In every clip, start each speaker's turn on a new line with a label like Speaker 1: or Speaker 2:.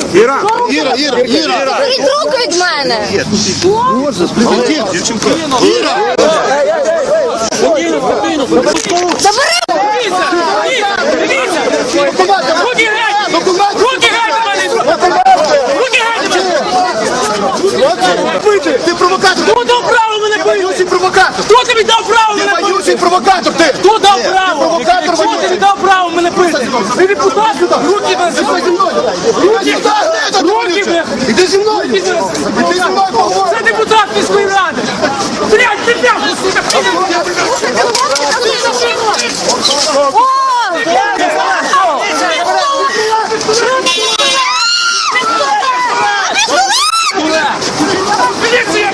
Speaker 1: Іра!
Speaker 2: Заберіть руку від мене!
Speaker 1: Іра!
Speaker 2: Забери!
Speaker 3: Руки геть! Руки геть! Руки геть!
Speaker 1: Ти провокатор!
Speaker 3: Хто дав право мене бити?
Speaker 1: Боючий провокатор!
Speaker 3: Хто тобі дав право мене бити?
Speaker 1: Боючий провокатор ти!
Speaker 3: Хто дав право?
Speaker 1: провокатор
Speaker 3: Хто
Speaker 1: воює.
Speaker 3: тобі дав право мене бити? Ти депутат? Руки мене Руки! Руки мене!
Speaker 1: Іди зі мною! Іди зі мною, поговори!
Speaker 3: Це депутат міської ради! Блядь, ти м'ясо, сука! Міліція!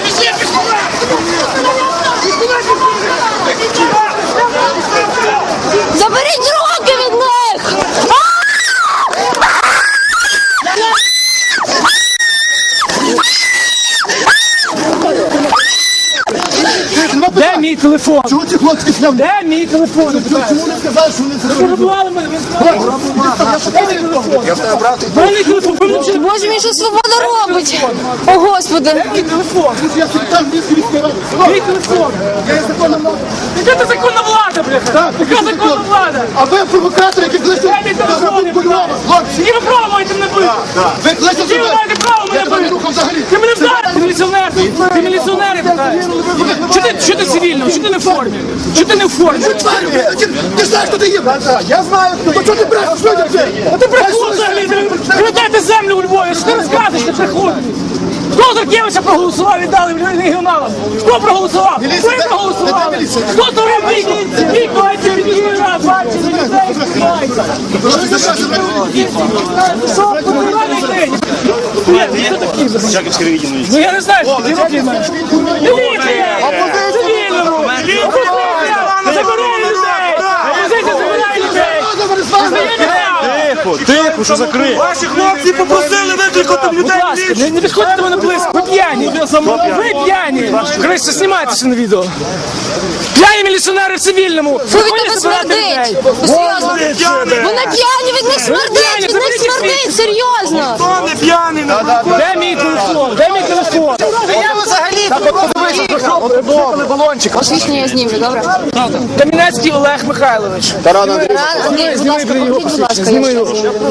Speaker 2: Заберіть руки від них!
Speaker 3: Де мій телефон?
Speaker 1: Чого ці хлопці сняв?
Speaker 3: Де мій телефон?
Speaker 1: Чому не сказали, що вони це роблять?
Speaker 3: Грабували мене, ви сказали.
Speaker 1: Я в тебе брав, ти
Speaker 3: Дай мій телефон, ви мені
Speaker 2: Боже мій, що свобода робить? О, Господи!
Speaker 3: мій телефон.
Speaker 1: я секретар міської ради.
Speaker 3: Мій телефон.
Speaker 1: Я є законна влада.
Speaker 3: Яка ти законна влада, бляха? Яка законна влада?
Speaker 1: А ви провокатори, які кличуть
Speaker 3: Дай мій телефон,
Speaker 1: розробку Львова. Хлопці,
Speaker 3: Які ви право маєте мене бити?
Speaker 1: ви кличете
Speaker 3: Які ви маєте право
Speaker 1: Я
Speaker 3: мене
Speaker 1: тебе не
Speaker 3: бити?
Speaker 1: рухав взагалі.
Speaker 3: Ти мене вдарив, ти міліціонер. Ти міліціонер, Що ти цивільний? Що ти не в формі? Що ти не в формі?
Speaker 1: Ти знаєш, хто ти є? Я знаю, хто. То чого ти брешеш людям?
Speaker 3: А ти брехун взагалі! Ви дайте землю у Львові! Що ти розказуєш, ти брехун? Хто Заркевича проголосував і дали регіоналам? Хто проголосував? Ви проголосували? Хто дорив вік мається від міської ради? Бачите, людей співається. Що, поганий день? Ні, хто такий? Ну я не знаю, що такі роки маєш. Міліція! Цивільному! Опозиція! Забирай людей! Опозиція забирай людей!
Speaker 4: Тихо, що закрий.
Speaker 1: Ваші хлопці попросили викликати
Speaker 3: Будь ласка, не підходьте до мене близько. Ви п'яні. Ви п'яні. Краще знімайтеся на відео. П'яні міліціонери в цивільному.
Speaker 2: Що від тебе смердить? Серйозно? Вони п'яні, від них смердить, від них смердить, серйозно!
Speaker 1: Хто не п'яний?
Speaker 3: Де мій телефон? Де мій телефон?
Speaker 2: Посвідчення я знімлю, добре?
Speaker 3: Кам'янецький Олег Михайлович.
Speaker 2: Андрій, будь ласка, покажіть, будь ласка, я ще.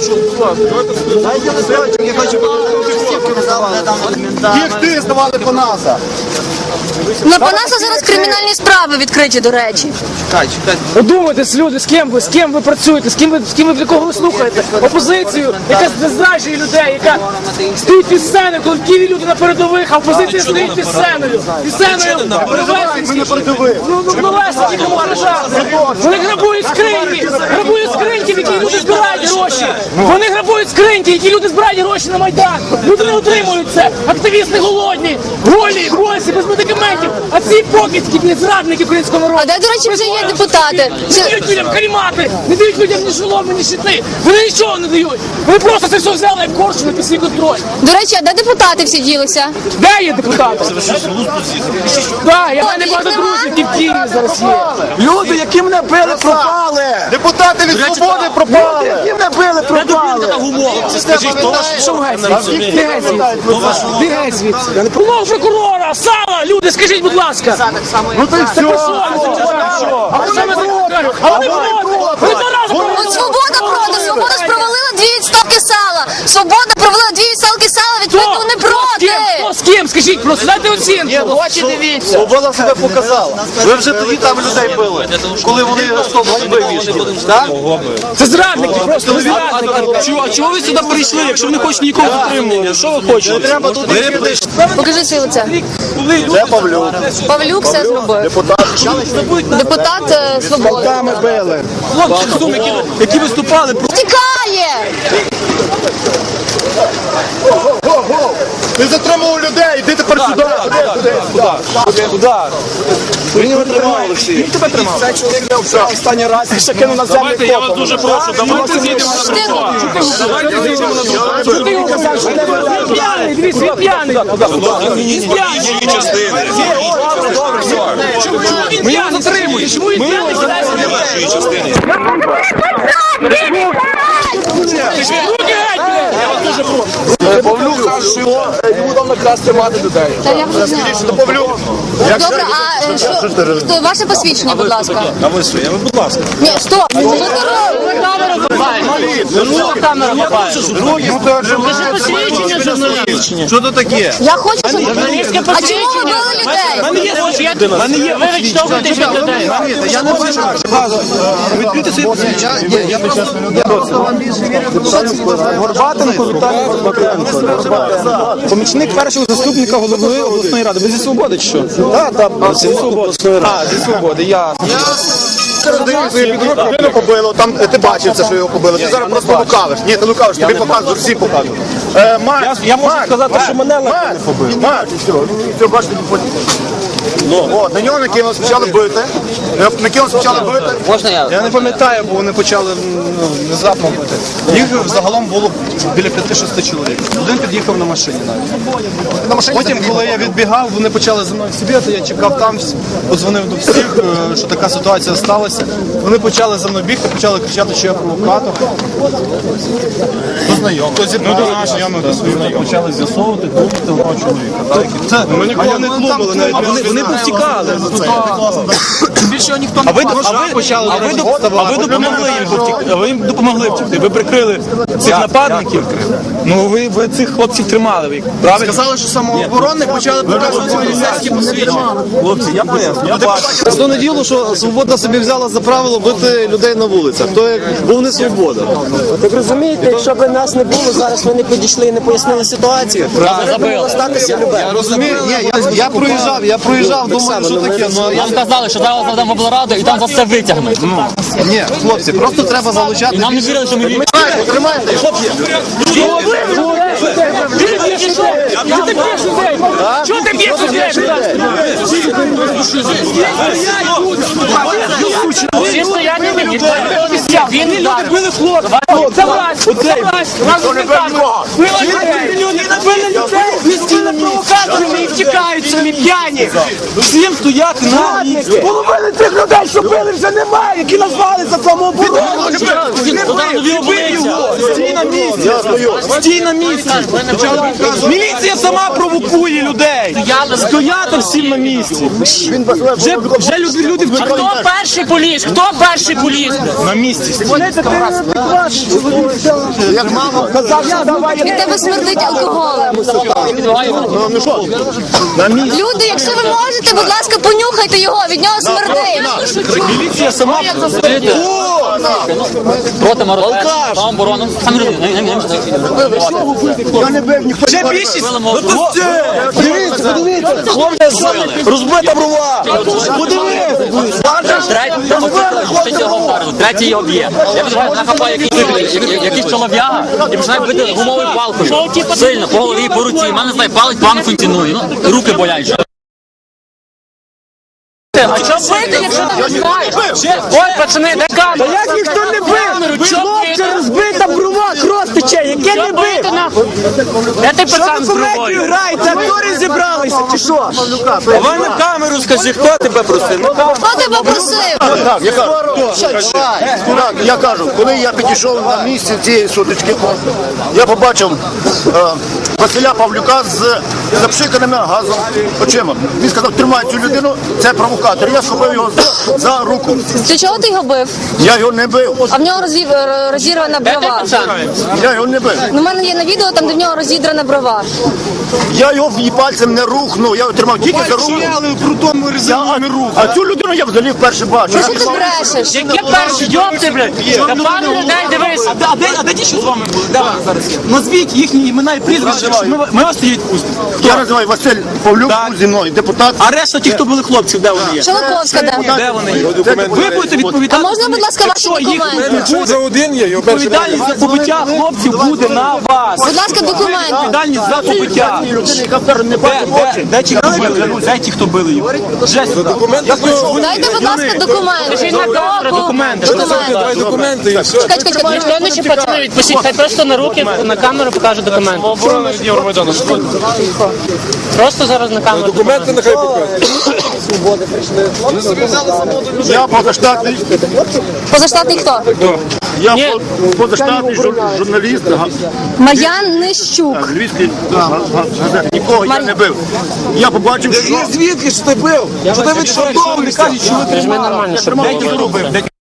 Speaker 1: Їх ти здавали по НАСА.
Speaker 2: На Панаса зараз кримінальні справи відкриті, до речі.
Speaker 3: Подумайте, люди, з ким ви працюєте, з ким ви для кого ви слухаєте? Опозицію, яка зраджує людей, яка стоїть під сценою, коли в Києві люди на передових, а опозиція стоїть під сценою. Під сценою Новесенський, нікому вражати. Вони грабують скриньки, в які люди збирають гроші. Вони грабують скриньки, які люди збирають гроші на Майдан. Люди не отримують це. Активісти голодні, голі, босі, без медикаментів. А ці покидьки, зрадники українського народу.
Speaker 2: А де, до речі, вже є депутати?
Speaker 3: Не дають людям карімати, не дають людям ні шоломи, ні щити. Вони нічого не дають. Вони просто це все взяли як коршуни під свій контроль.
Speaker 2: До речі, а де депутати всі ділися?
Speaker 3: Де є депутати? Так, я в мене багато друзів, які в Києві зараз є.
Speaker 4: Люди, які мене били, пропали.
Speaker 1: Депутати від свободи пропали.
Speaker 4: Які мене били, пропали.
Speaker 3: Що геть звідси? Де геть звідси? Де геть звідси? Помог прокурора, сала, люди, скажіть, будь ласка.
Speaker 1: Ну то й все.
Speaker 3: А що ми зараз? А вони проти. Вони два рази проти.
Speaker 2: От Свобода проти, Свобода ж провалила 2 відставки сала. Свобода провалила 2 відставки сала, відповідно вони проти.
Speaker 3: Хто з ким? Скажіть просто, дайте оцінку.
Speaker 4: Очі дивіться. Свобода себе показала. Ви вже тоді там людей били, коли вони автобус вивішли. Так?
Speaker 3: Це зрадники, просто зрадники.
Speaker 4: А чого ви сюди прийшли, якщо ви не хочете нікого затримувати? Що ви хочете? Треба тут
Speaker 2: Покажи своє лице.
Speaker 1: Це Павлюк.
Speaker 2: Павлюк все зробив. Депутат Свободи.
Speaker 1: Ми били.
Speaker 4: хлопці, які виступали.
Speaker 2: Втікає!
Speaker 1: Ти затримував людей, іди тепер сюди.
Speaker 4: Куди? Він його тримав, Олексій. Він тебе тримав. Цей чоловік не обшав останній раз і ще кинув на землю.
Speaker 5: Давайте, я вас дуже прошу, давайте з'їдемо на тротуар. Давайте з'їдемо на тротуар.
Speaker 3: Що ти його казав, що ти п'яний, дивись, він п'яний. Він п'яний.
Speaker 5: Її частини.
Speaker 3: Чому він п'яний? Затримує. Чому він п'яний?
Speaker 5: Вашої частини.
Speaker 3: Руки геть, блядь! Я вас дуже прошу.
Speaker 4: що йому дав наказ тримати людей.
Speaker 2: Та я вже знаю.
Speaker 4: Павлюк.
Speaker 2: Добре, а що ваше посвідчення, будь ласка?
Speaker 5: А ви що? Будь ласка.
Speaker 2: Ні, стоп! Що ти робиш? Камеру хапаєш. Що камеру хапаєш? Це ж посвідчення журналістичне.
Speaker 5: Що тут таке?
Speaker 2: Я хочу, щоб... А чому ви били людей?
Speaker 3: Ви відштовхуєтесь від людей.
Speaker 4: Я не бачу. Відкрити свої посвідчення. Я просто Горбатенко Віталій Горбатенко. Помічник першого заступника голови обласної ради. Ви зі Свободи чи що? Так, зі Свободи. А, зі Свободи, ясно.
Speaker 1: Людину побило, там ти бачив це, що його побило. Ти зараз просто лукавиш. Ні, ти лукавиш, тобі показують, всі показують.
Speaker 4: Я можу сказати, що мене легко не побили.
Speaker 1: Марк, все, бачите, потім. На нього накинули, почали бити.
Speaker 2: Можна я?
Speaker 4: Я не пам'ятаю, бо вони почали внезапно бити. Їх загалом було біля 5-6 чоловік. Один під'їхав на машині навіть. Потім, коли я відбігав, вони почали за мною сіб'яти, я чекав там, подзвонив до всіх, що така ситуація сталася. Вони почали за мною бігти, почали кричати, що я провокатор. Хто знайомий? Хто зі мною знайомий, хто знайомий.
Speaker 5: Почали з'ясовувати, клубити одного чоловіка.
Speaker 4: Це ми нікого не клубили, навіть вони повтікали. Більше ніхто не ви допомогли їм повтікти. Ви їм допомогли втікти. Ви прикрили цих нападників. Ну ви цих хлопців тримали. Ви правильно? Сказали, що самооборонник почали показувати поліцейські посвідчення.
Speaker 5: Хлопці, я поясню. Я бачу.
Speaker 6: Основне діло, що Свобода собі взяла за правило бити людей на вулицях. То як був не Свобода.
Speaker 7: Так розумієте, якщо б нас не було, зараз ви не підійшли і не пояснили ситуацію. Зараз могло статися любе.
Speaker 6: Розумію, я проїжджав, думаю, що таке.
Speaker 8: Нам сказали, що зараз заведемо облраду і там за все витягнуть.
Speaker 6: Ні, хлопці, просто треба залучати.
Speaker 8: І нам не вірили, що ми віримо.
Speaker 6: Тримайте, хлопці.
Speaker 3: Чого ти б'єш людей? Всі стоять не б'ють. Він люди били хлопців. Це власть. Разом не нікого. Били людей. Містіли провокаторами і втікають самі п'яні.
Speaker 4: Всім стояти на місці.
Speaker 3: Половини цих людей, що били, вже немає, які назвали за самооборону.
Speaker 4: Стій на місці. Стій на місці. Міліція сама провокує людей. Стояти всім на місці. Вже люди
Speaker 3: А хто перший поліз? Хто перший поліз?
Speaker 4: на місці.
Speaker 1: Як мама
Speaker 2: Від тебе смердить алкоголем. Люди, якщо ви можете, будь ласка, понюхайте його, від нього смердить.
Speaker 4: Міліція сама
Speaker 8: Проти морозу, самооборону. Самі люди.
Speaker 4: Вже більшість. Розбита брова.
Speaker 8: Третій його вдарили, третій його б'є. Я відбуваю, нахапаю якийсь чолов'яга і починаю бити гумовою палкою. Сильно, по голові, по руці. У мене, знає, палець погано функціонує. Ну, руки болять.
Speaker 3: А що бити, якщо ти не знаєш? Ой, пацани, де камера?
Speaker 7: Як ніхто не бив? Хлопці, розбита брова, кров тече, яке не бив?
Speaker 3: Де ти пацан з бровою?
Speaker 7: Граєте, актори зібралися, чи що?
Speaker 4: Давай на камеру скажи, хто тебе просив?
Speaker 2: Хто тебе просив?
Speaker 1: Я кажу, коли я підійшов на місце цієї сутички, я побачив Василя Павлюка з запшиканими газом очима. Він сказав, тримай цю людину, це провокатор. Я схопив його за руку.
Speaker 2: Ти чого ти його бив?
Speaker 1: Я його не бив.
Speaker 2: А в нього розірвана брова.
Speaker 1: Я його не бив.
Speaker 2: Ну, в мене є на відео, там де в нього розідрана брова.
Speaker 1: Я його пальцем не рухнув, я його тримав тільки за руку. Я не рух. А цю людину я взагалі вперше бачу.
Speaker 2: Що ти брешеш?
Speaker 3: Яке перші йопти, блядь? Та пане людей, дивись.
Speaker 4: А де ті, що з вами були? Де вони зараз є? Назвіть їхні імена і прізвища, щоб ми вас тоді відпустимо.
Speaker 1: Я називаю Василь Павлюк, був зі мною, депутат.
Speaker 4: А решта ті, хто були хлопців, де вони є?
Speaker 2: Шелаковська, де?
Speaker 4: Де вони є? Ви будете
Speaker 2: А
Speaker 4: відповідати.
Speaker 2: можна, будь ласка, ваші документи?
Speaker 4: За один є, відповідальність за побиття хлопців буде на вас.
Speaker 2: Будь ласка, документи.
Speaker 4: Відповідальність за побиття. Де ті, хто били? Де ті, хто били їх?
Speaker 2: Дайте, будь ласка, документи.
Speaker 3: Документи.
Speaker 2: Документи. Чекай.
Speaker 3: Ніхто не ще пацани відпустіть, хай просто на руки, на камеру покаже документи. Тихо. Просто зараз на камеру.
Speaker 6: Документи нехай покажуть.
Speaker 7: Свободи прийшли.
Speaker 6: Вони собі взяли за моду людей.
Speaker 1: Я позаштатний,
Speaker 2: Позаштатний хто?
Speaker 1: я позаштатний журналіст,
Speaker 2: Мар'ян Нищук.
Speaker 1: львівський газети. Нікого я не бив. Я побачив, що
Speaker 6: Звідки ж ти бив? Що ти від
Speaker 3: Кажуть, що ви нормально, щоб